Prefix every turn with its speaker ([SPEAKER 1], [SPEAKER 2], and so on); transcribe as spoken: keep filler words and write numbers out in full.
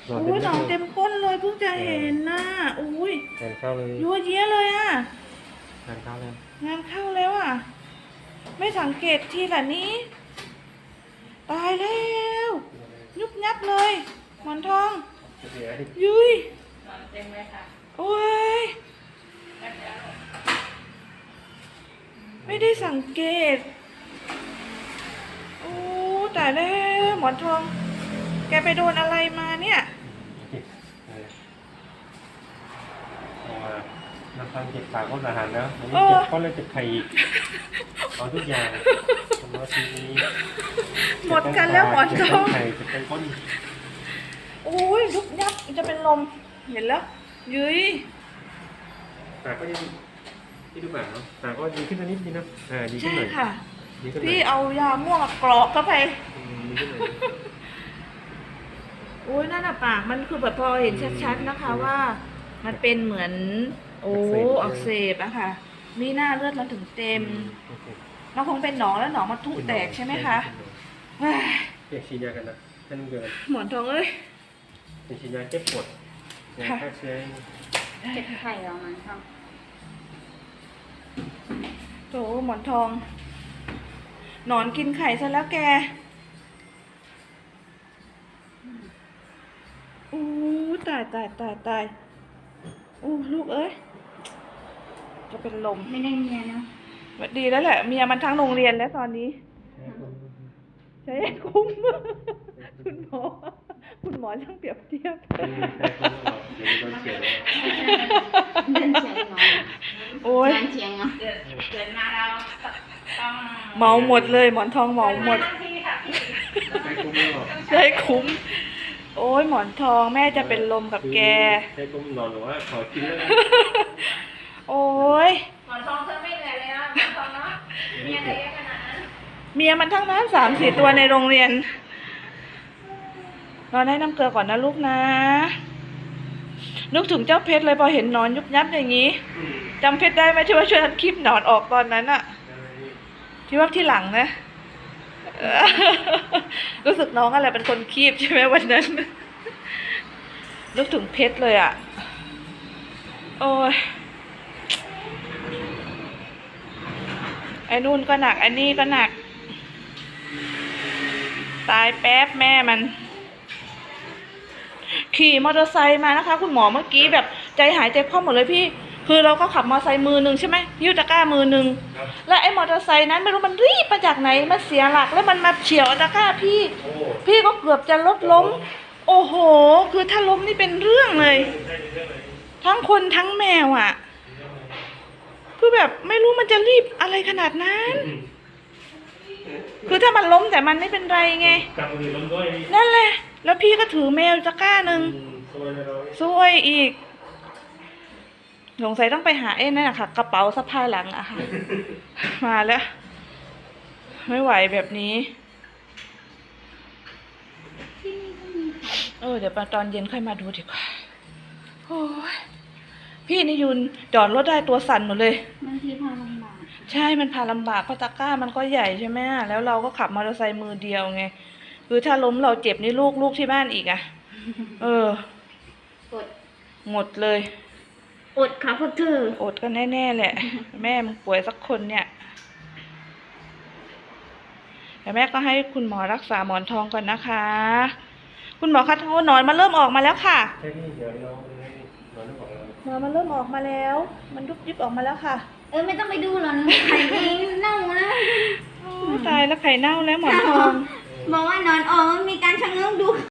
[SPEAKER 1] หนอน
[SPEAKER 2] อุ้ยหน
[SPEAKER 1] เต็
[SPEAKER 2] อ
[SPEAKER 1] ม
[SPEAKER 2] นเต็มก้นเลยเพิ่งจะเห็นนะอุ้ย
[SPEAKER 1] งานเข้าเลย
[SPEAKER 2] ยัวเยี้ยเลยอ่ะ
[SPEAKER 1] งานเข้าเลย
[SPEAKER 2] งานเข้าแล้วอ่ะ ไม่สังเกตทีละนี้ ตายแล้วยุบยับเลยหมอนทองยุยโอ้ยไม่ได้สังเกตโอ้ตายแล้วหมอนทอง แกไปโดนอะไรมาเนี่ย
[SPEAKER 1] น้ำตาลเจ็บปากก็อาหารแล้วมันเจ็บก็เลยเจ็บไข่อีกเอาทุกอย่างทำมาทีนี้
[SPEAKER 2] หมดกันแล้วหมอนทอง
[SPEAKER 1] ไข่เจ็บเป็นก้น
[SPEAKER 2] โอ้ยยุบยับจะเป็นลมเห็นแล้วยุย
[SPEAKER 1] แต่ก็ยังที่ดูแบบเนาะแต่ก็ดีขึ้นนิดนึงนะอ่าดีขึ้น
[SPEAKER 2] ใช่
[SPEAKER 1] หน่อย
[SPEAKER 2] ค่ะ
[SPEAKER 1] ดีขึ้นหน่อย
[SPEAKER 2] พี่เอายาม่วงกรอกเข้าไป
[SPEAKER 1] อืมดีขึ้นหน่อย
[SPEAKER 2] โอ้ยนั่นน่ะปากมันคือแบบพอเห็นชัดๆนะคะว่า มันเป็นเหมือนโอ้อักเสบอะค่ะ มีหน้าเลือดมันถึงเต็ม
[SPEAKER 1] โอเค
[SPEAKER 2] มันคงเป็นหนองแล้วหนองมันทุแตกใช่ไหมคะเฮ้ย
[SPEAKER 1] เรียกฉีดยากันนะให้น้ำเกลือ
[SPEAKER 2] หมอนทองเอ้ย
[SPEAKER 1] เป็นฉีดยาแก้ปวดยาฆ่าเชื้อ
[SPEAKER 3] เก็บไข่ออกมาครับ
[SPEAKER 2] โถหมอนทองหนอนกินไข่ซะแล้วแกอู้ตายตายตายตายอู้ลูกเอ้ยจะเป็นลม
[SPEAKER 3] ไม่ได้เมียนะ
[SPEAKER 2] ดีแล้วแหละเมียมันทั้งโรงเรียนแล้วตอนนี้ใช้คุ้ม คุณหมอคุณหมอช่างเปรียบเทียบ
[SPEAKER 1] เดี๋ยวโดนเฉียดแล้ว
[SPEAKER 3] เดินเฉียงเนาะ
[SPEAKER 2] โอ้ย
[SPEAKER 3] เดินเฉียงเนาะเดินมาเราต้อง
[SPEAKER 2] เมาหมดเลยหมอนทองเมาหมด
[SPEAKER 1] ใช้คุ้มแล้วหรอ
[SPEAKER 2] ใช้คุ้ม โอ้ยหมอนทองแม่จะเป็นลมกับแก
[SPEAKER 1] ใช้คุ้มนอนหรือว่าขอกินแล้ว
[SPEAKER 2] โอ้ย
[SPEAKER 3] หมอนทองเธอไม่เหนื่อยเลยนะหมอนทองเนาะเมียเธอเยอะขนาดนั้น
[SPEAKER 2] เมียมันทั้งนั้นสามสี่ตัวในโรงเรียนนอนให้น้ำเกลือก่อนนะลูกนะ นึกถึงเจ้าเพชรเลยพอเห็นหนอนยุบยับอย่างนี้จำเพชรได้ไหมที่ว่าช่วยกันคลิปหนอนออกตอนนั้นอะที่ว่าที่หลังนะ เออรู้สึกน้องอะไรเป็นคนคีบใช่ไหมวันนั้นนึกถึงเพชรเลยอะโอ้ยไอ้นู่นก็หนักไอ้นี่ก็หนัก ตายแป๊บแม่มันขี่มอเตอร์ไซค์มานะคะคุณหมอเมื่อกี้แบบใจหายใจคว่ำหมดเลยพี่คือเราก็ขับมอเตอร์ไซค์มือหนึ่งใช่ไหมยิ้วตะกร้ามือหนึ่งแล้วไอ้มอเตอร์ไซค์นั้นไม่รู้มันรีบมาจากไหนมันเสียหลักแล้วมันมาเฉียวตะกร้าพี่พี่ก็เกือบจะรถล้มโอ้โหคือถ้าล้มนี่เป็นเรื่องเลยทั้งคนทั้งแมวอ่ะคือแบบไม่รู้มันจะรีบอะไรขนาดนั้นคือถ้ามันล้มแต่มันไม่เป็นไรไงนั่นแหละแล้วพี่ก็ถือแมวตะกร้าหนึ่งซวยอีกสงสัยต้องไปหาเอ้นั่นแหละค่ะกระเป๋าสะพายหลังอะค่ะ มาแล้วไม่ไหวแบบนี้เออเดี๋ยวตอนเย็นค่อยมาดูดีกว่าโอ้ยพี่นี่ยุนจอดรถได้ตัวสั่นหมดเลย
[SPEAKER 3] บางทีพาลำบาก
[SPEAKER 2] ใช่มันพาลำบากเพราะตะกร้ามันก็ใหญ่ใช่ไหมแล้วเราก็ขับมอเตอร์ไซค์มือเดียวไงคือถ้าล้มเราเจ็บนี่ลูกลูกที่บ้านอีกอะเออ
[SPEAKER 3] อด
[SPEAKER 2] หมดเลย
[SPEAKER 3] อดค่ะพวกเธอ
[SPEAKER 2] อดกันแน่ๆแหละ แม่มึงป่วยสักคนเนี่ยแต่แม่ก็ให้คุณหมอรักษาหมอนทองก่อนนะคะ คุณหมอคะโอ้หนอนมันเริ่มออกมาแล้วค่ะ
[SPEAKER 1] ใช่พี่เดี๋ยวเรานอนไม่บอกเรา
[SPEAKER 2] หนอนมันเริ่มออกมาแล้ว มันยุบยิบออกมาแล้วค่ะ
[SPEAKER 3] เออไม่ต้องไปดูหรอกไข่เองเน่าแล้ว
[SPEAKER 2] โอ้ตายแล้วไข่เน่าแล้วหมอนทอง
[SPEAKER 3] บอกว่านอนออกมันมีการชะเง้อดู